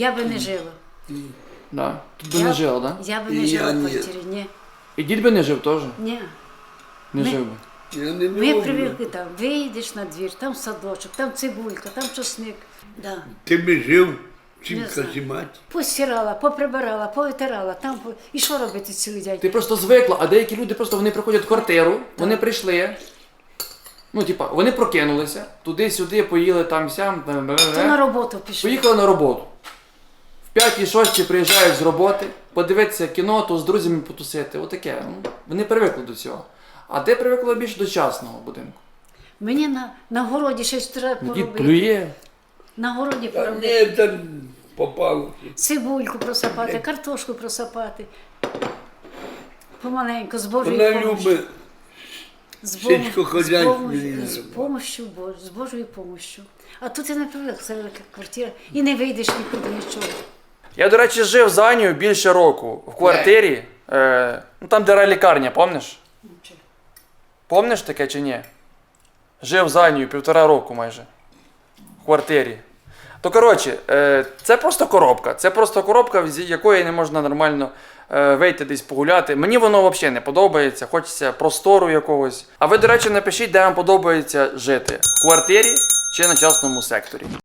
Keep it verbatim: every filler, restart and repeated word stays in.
Я би не жила. Да. Тут би Я- не жила, да? Я би І не жила я в ні. квартирі. Ні. І дід би не жив теж? Ні. Не Ми- жив би. Я не Ми люблю. привикли там, вийдеш на двір, там садочок, там цибулька, там чесник. Да. Ти би жив, чим Не знаю. казімати. Постирала, поприбирала, повитирала, там по- і що робити цілий день? Ти просто звикла, а деякі люди просто вони приходять в квартиру, вони прийшли. Ну, типа, вони прокинулися, туди-сюди, поїли там сям, То на роботу пішли. поїхали на роботу. В п'ятій-шостій приїжджають з роботи, подивитися кіно, то з друзями потусити. Отаке. Ну, вони привикли до цього. А ти привикла більше до частного будинку. Мені на, на городі щось треба Дід поробити. плює. На городі Та поробити. ні, там попало. Цибульку просапати, картошку просапати. Помаленьку, з Божою Вона помощю. любить З Богом- сільськохозяйство з Богом- її з любить. помощю Бож, з Божою помощю. А тут я не привик, це велика квартира. І не вийдеш нікуди нічого. Я, до речі, жив з Анією більше року в квартирі, е, ну там, де лікарня, пам'ятаєш? Помниш таке чи ні? Жив з Анією півтора року майже. В квартирі. То коротше, е, це просто коробка. Це просто коробка, з якої не можна нормально е, вийти десь погуляти. Мені воно взагалі не подобається, хочеться простору якогось. А ви, до речі, напишіть, де вам подобається жити. В квартирі чи на частному секторі.